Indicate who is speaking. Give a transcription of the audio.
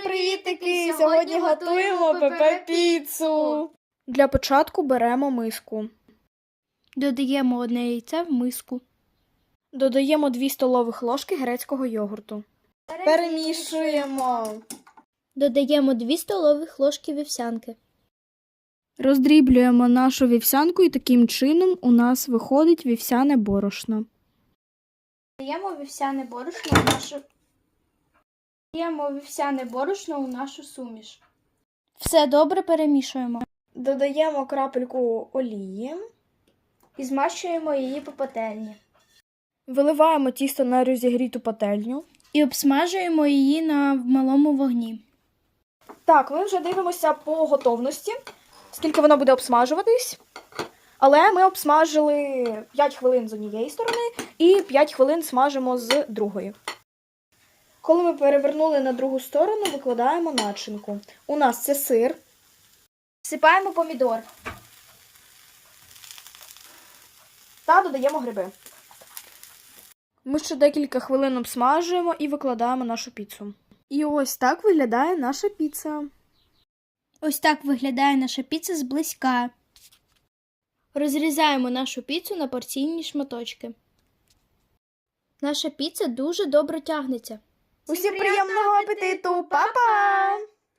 Speaker 1: привітики! Сьогодні готуємо ПП-піцу. Для початку беремо миску.
Speaker 2: Додаємо одне яйце в миску.
Speaker 1: Додаємо 2 столових ложки грецького йогурту. Перемішуємо.
Speaker 2: Додаємо 2 столових ложки вівсянки.
Speaker 1: Роздріблюємо нашу вівсянку і таким чином у нас виходить вівсяне борошно.
Speaker 2: Додаємо вівсяне борошно у нашу суміш. Все добре перемішуємо.
Speaker 1: Додаємо крапельку олії.
Speaker 2: І змащуємо її по пательні.
Speaker 1: Виливаємо тісто на розігріту пательню.
Speaker 2: І обсмажуємо її на малому вогні.
Speaker 1: Так, ми вже дивимося по готовності, скільки воно буде обсмажуватись. Але ми обсмажили 5 хвилин з однієї сторони і 5 хвилин смажимо з другої. Коли ми перевернули на другу сторону, викладаємо начинку. У нас це сир.
Speaker 2: Всипаємо помідор.
Speaker 1: Та додаємо гриби. Ми ще декілька хвилин обсмажуємо і викладаємо нашу піцу. І ось так виглядає наша піца.
Speaker 2: Ось так виглядає наша піца зблизька. Розрізаємо нашу піцу на порційні шматочки. Наша піца дуже добре тягнеться.
Speaker 1: Усім приємного апетиту! Па-па!